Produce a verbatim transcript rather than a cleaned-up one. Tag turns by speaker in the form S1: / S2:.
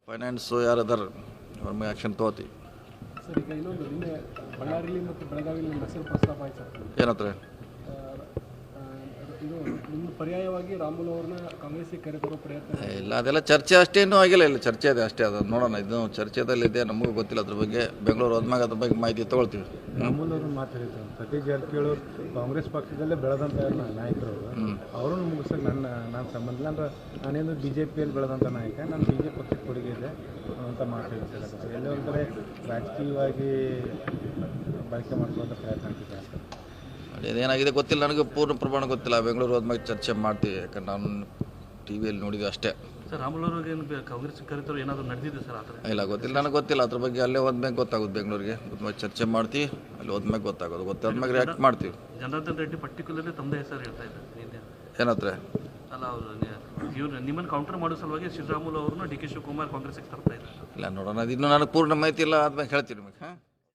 S1: Finance ಯಾರದಾರ ಅವ್ರ ಮೇಲೆ action ತೊಗೋತೀವಿ.
S2: ಸರ್ ಈಗ ಇನ್ನೊಂದು ನಿನ್ನೆ ಬಳ್ಳಾರಿಲಿ ಮತ್ತು ಬೆಳಗಾವಿಯಲ್ಲಿ ನಿಮ್ಮ ಹೆಸರು ಪ್ರಸ್ತಾಪ ಆಯ್ತು ಸರ್.
S1: ಏನತ್ರ
S2: ಇದು ನಿಮ್ಮ ಪರ್ಯಾಯವಾಗಿ ರಾಮುಲು ಅವ್ರನ್ನ ಕಾಂಗ್ರೆಸ್ಸಿಗೆ ಕರೆತರೋ ಪ್ರಯತ್ನ
S1: ಇಲ್ಲ, ಅದೆಲ್ಲ ಚರ್ಚೆ ಅಷ್ಟೇನೂ ಆಗಿಲ್ಲ. ಇಲ್ಲ ಚರ್ಚೆ ಇದೆ ಅಷ್ಟೇ, ಅದು ನೋಡೋಣ. ಇದು ಚರ್ಚೆದಲ್ಲಿದೆ, ನಮಗೂ ಗೊತ್ತಿಲ್ಲ ಅದ್ರ ಬಗ್ಗೆ. ಬೆಂಗಳೂರು ಹೋದ್ಮ್ಯಾಗ ಅದ್ರ ಬಗ್ಗೆ ಮಾಹಿತಿ ತೊಗೊಳ್ತೀವಿ.
S3: ರಾಮುಲು ಅವರು ಮಾತಾಡಿದ್ರು, ಸತೀಶ್ ಜಾರಕಿಹೊಳಿ ಕಾಂಗ್ರೆಸ್ ಪಕ್ಷದಲ್ಲೇ ಬೆಳೆದಂಥ ನಾಯಕರು ಅವರನ್ನು ಮುಗಿಸೋಕೆ ನನ್ನ ನಾನು ಸಂಬಂಧ ಇಲ್ಲ. ಅಂದ್ರೆ ನಾನೇನು ಬಿ ಜೆ ಪಿಯಲ್ಲಿ ಬೆಳೆದಂಥ ನಾಯಕ, ನಾನು ಬಿ ಜೆ ಪಿ ಪಕ್ಷಕ್ಕೆ ಕೊಡುಗೆ ಇದೆ ಅಂತ ಮಾತಾಡಿದ್ದಾರೆ. ಎಲ್ಲೋ ಒಂದು ಕಡೆ ರಾಜಕೀಯವಾಗಿ ಬಳಕೆ ಮಾಡ್ಕೊಳ್ಳೋಂಥ ಪ್ರಯತ್ನ ಆಗ್ತಿದೆ.
S1: ಅದೇನಾಗಿದೆ ಗೊತ್ತಿಲ್ಲ, ನನಗೆ ಪೂರ್ಣ ಪ್ರಮಾಣ ಗೊತ್ತಿಲ್ಲ. ಬೆಂಗಳೂರು ಹೋದ್ಮ್ಯಾಗ ಚರ್ಚೆ ಮಾಡ್ತೀವಿ, ಯಾಕಂದ್ರೆ ನಾನು ಟಿ ವಿಯಲ್ಲಿ ನೋಡಿದ್ವಿ ಅಷ್ಟೇ.
S4: ಸರ್ ರಾಮುಲು ಅವ್ರಿಗೆ ಕಾಂಗ್ರೆಸ್ ಕರೆತರು ಏನಾದರೂ ನಡೆದಿದೆ ಸರ್ ಆ ಥರ?
S1: ಇಲ್ಲ, ಗೊತ್ತಿಲ್ಲ, ನನಗೆ ಗೊತ್ತಿಲ್ಲ ಅದ್ರ ಬಗ್ಗೆ. ಅಲ್ಲೇ ಹೋದ್ಮ್ಯಾಗ ಗೊತ್ತಾಗೋದು, ಬೆಂಗಳೂರಿಗೆ ಹೋದ್ಮ್ಯಾಗ ಚರ್ಚೆ ಮಾಡ್ತೀವಿ. ಅಲ್ಲಿ ಹೋದ್ಮ್ಯಾಗ ಗೊತ್ತಾಗೋದು, ಗೊತ್ತಾದ್ಮ್ಯಾಗ ರಿಯಾಕ್ಟ್ ಮಾಡ್ತೀವಿ.
S4: ಜನಾರ್ದನ್ ರೆಡ್ಡಿ ಪರ್ಟಿಕ್ಯುಲರ್ಲಿ ತಮ್ಮದೇ ಹೆಸರು ಹೇಳ್ತಾ ಇದ್ದಾರೆ.
S1: ಏನತ್ರ
S4: ಅಲ್ಲ, ಅವರು ಇವ್ರು ನಿಮ್ಮನ್ನು ಕೌಂಟರ್ ಮಾಡೋ ಸಲುವಾಗಿ ಶ್ರೀರಾಮುಲು ಅವ್ರನ್ನ ಡಿ ಕೆ ಶಿವಕುಮಾರ್ ಕಾಂಗ್ರೆಸ್ಗೆ ತರ್ತಾ ಇದ್ದಾರೆ.
S1: ಇಲ್ಲ, ನೋಡೋಣ. ಅದು ಇನ್ನೂ ನನಗೆ ಪೂರ್ಣ ಮಾಹಿತಿ ಇಲ್ಲ, ಆದ್ಮೇಲೆ ಹೇಳ್ತೀನಿ ನಿಮಗೆ. ಹಾಂ.